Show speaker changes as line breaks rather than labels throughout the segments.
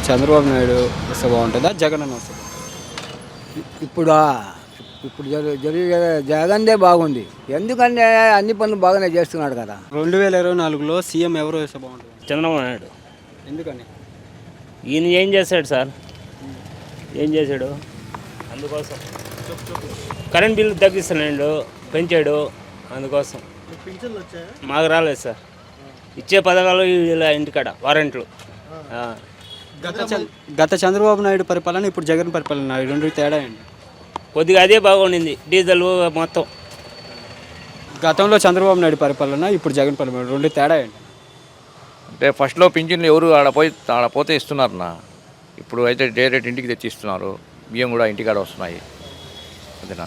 చంద్రబాబు నాయుడు వస్తే బాగుంటుందా, జగన్ అన్న వస్తే
ఇప్పుడు ఇప్పుడు జరిగే జగన్దే బాగుంది. ఎందుకంటే అన్ని పనులు బాగానే చేస్తున్నాడు కదా.
2024లో సీఎం ఎవరు వస్తే బాగుంటుంది?
చంద్రబాబు నాయుడు.
ఎందుకని?
ఈయన ఏం చేశాడు సార్? ఏం చేశాడు? అందుకోసం కరెంట్ బిల్లు తగ్గిస్తున్నాడు, పెంచాడు. అందుకోసం మాకు రాలేదు సార్. ఇచ్చే పథకాలు ఇలా ఇంటికాడ వారెంట్లు.
గత చంద్రబాబు నాయుడు పరిపాలన, ఇప్పుడు జగన్ పరిపాలన, ఈ రెండు తేడా ఏంటి?
కొద్దిగా అదే బాగుండింది, డీజిల్ మొత్తం.
గతంలో చంద్రబాబు నాయుడు పరిపాలన, ఇప్పుడు జగన్ పరిపాలన, రెండు తేడా ఏంటి?
అంటే ఫస్ట్లో పింఛన్లు ఎవరు ఆడపోతే ఇస్తున్నారన్నా. ఇప్పుడు అయితే డైరెక్ట్ ఇంటికి తెచ్చి ఇస్తున్నారు. బియ్యం కూడా ఇంటికాడ వస్తున్నాయి. అదేనా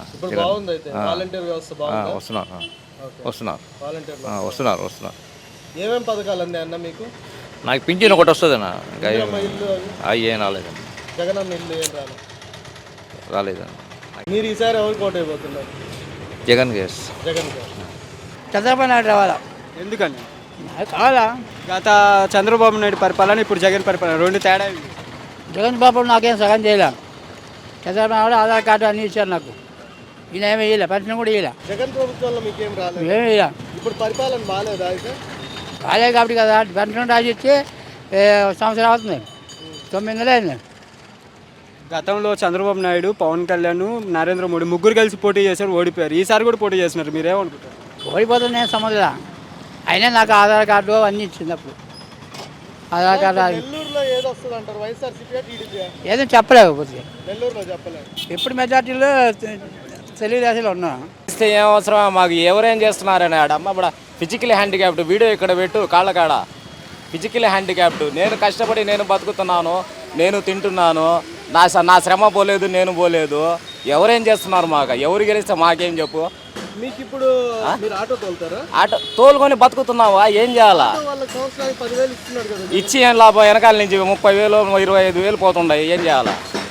వస్తున్నారు.
ఏమేం పథకాలు అంది అన్న మీకు?
నాకు పింఛన్ ఒకటి వస్తుందన్నా. ఇంకా ఏం రాలేదన్న.
జగనన్న ఇల్లు ఏం
రాలేదన్న.
మీరు ఈసారి ఎవరికి ఓటు అయిపోతున్నారు?
జగన్ గ్యాస్.
జగన్ గారు.
చంద్రబాబు నాయుడు రావాలా?
ఎందుకని?
కావాలా?
గత చంద్రబాబు నాయుడు పరిపాలన, ఇప్పుడు జగన్ పరిపాలన, రెండు తేడా ఏంటి?
జగన్ బాబు నాకేం సగం చేయలే. చంద్రబాబు నాయుడు ఆధార్ కార్డు అన్నీ ఇచ్చారు నాకు. ఈయన ఏమీ ఇయ్యలే, పెన్షన్ కూడా ఇయ్యలే.
జగన్ ప్రభుత్వంలో మీకేం రాలేదు?
ఏమీ ఇయ్యలే.
ఇప్పుడు పరిపాలన బాగాలేదా అయితే?
కాలే కాబట్టి కదా పెన్షన్ రాసి ఇచ్చి సంవత్సరం అవుతుంది, 9 నెలలు అయింది.
గతంలో చంద్రబాబు నాయుడు, పవన్ కళ్యాణ్, నరేంద్ర మోడీ ముగ్గురు కలిసి పోటీ చేశారు, ఓడిపోయారు. ఈసారి కూడా పోటీ చేస్తున్నారు. మీరేమనుకుంటారు?
ఓడిపోతుంది నేను సంబంధం. అయినా నాకు ఆధార్ కార్డు అన్నీ ఇచ్చింది. అప్పుడు ఆధార్ కార్డు
నెల్లూరులో ఏదో వస్తుంది అంటారు, వైఎస్ఆర్సీపీ టీడీపీ
ఏదో చెప్పలేకపోతే.
నెల్లూరులో చెప్పలేదు.
ఎప్పుడు మెజార్టీలో తెలుగుదేశంలో ఉన్నాను.
ఇస్తే ఏం అవసరం మాకు? ఎవరేం చేస్తున్నారని ఆడమ్మ ఇప్పుడు ఫిజికల్ హ్యాండిక్యాప్డ్ వీడియో ఇక్కడ పెట్టు, కాళ్ళ కాడ ఫిజికల్ హ్యాండిక్యాప్డ్. నేను కష్టపడి నేను బతుకుతున్నాను, నేను తింటున్నాను, నా శ్రమ పోలేదు, నేను పోలేదు. ఎవరేం చేస్తున్నారు మాకు? ఎవరు గెలిస్తే మాకేం చెప్పు?
మీకు ఇప్పుడు మీరు ఆటో తోలుతారా?
ఆటో తోలుకొని బతుకుతున్నావా? ఏం చేయాలా?
వాళ్ళకి సంవత్సరానికి 10,000 ఇస్తున్నారు కదా.
ఇచ్చి ఏం లాభం? వెనకాల నుంచి 30,000 25,000 పోతుండే. ఏం చేయాలా?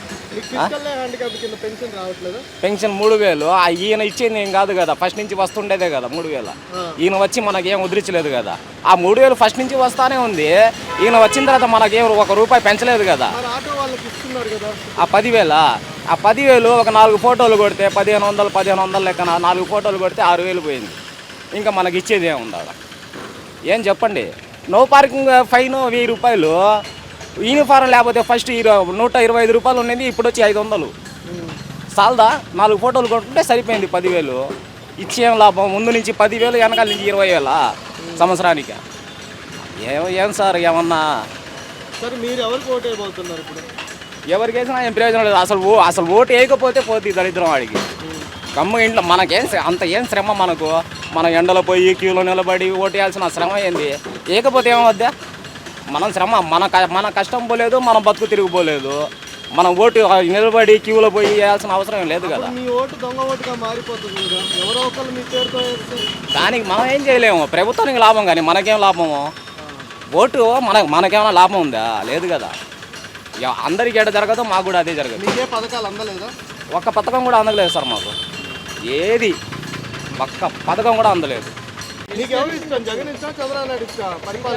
పెన్షన్ రావట్లేదు.
పెన్షన్ 3,000. ఈయన ఇచ్చేది ఏం కాదు కదా, ఫస్ట్ నుంచి వస్తుండేదే కదా 3,000. ఈయన వచ్చి మనకేం ఉదిరించలేదు కదా. ఆ 3,000 ఫస్ట్ నుంచి వస్తానే ఉంది. ఈయన వచ్చిన తర్వాత మనకేం ₹1 పెంచలేదు కదా. ఆ 10,000 ఒక 4 ఫోటోలు కొడితే 1,500 లెక్కన 4 ఫోటోలు కొడితే 6,000 పోయింది. ఇంకా మనకి ఇచ్చేది ఏమి ఉండాలి? ఏం చెప్పండి? No parking fine ₹1,000. యూనిఫారం లేకపోతే ఫస్ట్ ₹125 ఉండేది, ఇప్పుడు వచ్చి 500. సాల్దా? 4 ఫోటోలు కొట్టుకుంటే సరిపోయింది 10,000. ఇచ్చేం లాభం? ముందు నుంచి 10,000, వెనకాల నుంచి 20,000 సంవత్సరానికి. ఏం సార్ ఏమన్నా?
సార్ మీరు ఎవరికి ఓటు అయిపోతున్నారు ఇప్పుడు?
ఎవరికి వేసినా ఏం ప్రయోజనం లేదు. అసలు ఓటు వేయకపోతే పోతుంది దరిద్రం వాడికి. కమ్మ ఇంట్లో అంత ఏం శ్రమ మనకు? మనం ఎండలో పోయి క్యూలో నిలబడి ఓటు వేయాల్సిన శ్రమ ఏంది? వేయకపోతే ఏమవుద్దా? మనం శ్రమ మన కష్టం పోలేదు, మనం బతుకు తిరిగిపోలేదు. మనం ఓటు నిలబడి క్యూలో పోయి వేయాల్సిన అవసరం లేదు కదా.
మీ ఓటు దొంగ ఓటుగా మారిపోతుంది కదా. ఎవరో ఒకళ్ళు మీ పేరుతో
దానికి మనం ఏం చేయలేము. ప్రభుత్వానికి లాభం, కానీ మనకేం లాభము? ఓటు మనకేమైనా లాభం ఉందా? లేదు కదా. అందరికీ ఎడ జరగదు, మాకు కూడా అదే జరగదు.
మీకే పథకాలు అందలేదా?
ఒక్క పథకం కూడా అందలేదు సార్ మాకు. ఏది ఒక్క పథకం కూడా అందలేదు.
మీకు ఎవరు ఇష్టం? జగన్ ఇష్టం, చంద్రబాబు నాయుడు ఇష్టం?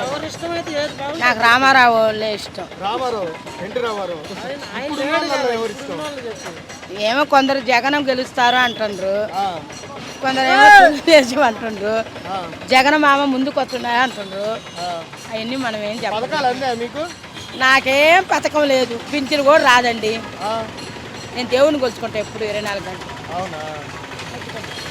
నాకు రామారావు ఇష్టం.
రామారావు, ఎన్టీ రామారావు. ఎవరు ఇష్టం?
ఏమో కొందరు జగనం గెలుస్తారు అంటుండ్రు, కొందరు ఏమో తెలుగుదేశం అంటుండ్రు, జగన్ మామ ముందుకు వస్తున్నాయి అంటుండ్రు. అవన్నీ మనం ఏం చెప్పాలి?
పథకాలు అందా మీకు?
నాకేం పథకం లేదు, పింఛను కూడా రాదండి. నేను దేవుని కొలుచుకుంటా ఎప్పుడు 24 గంటలు.
అవునా?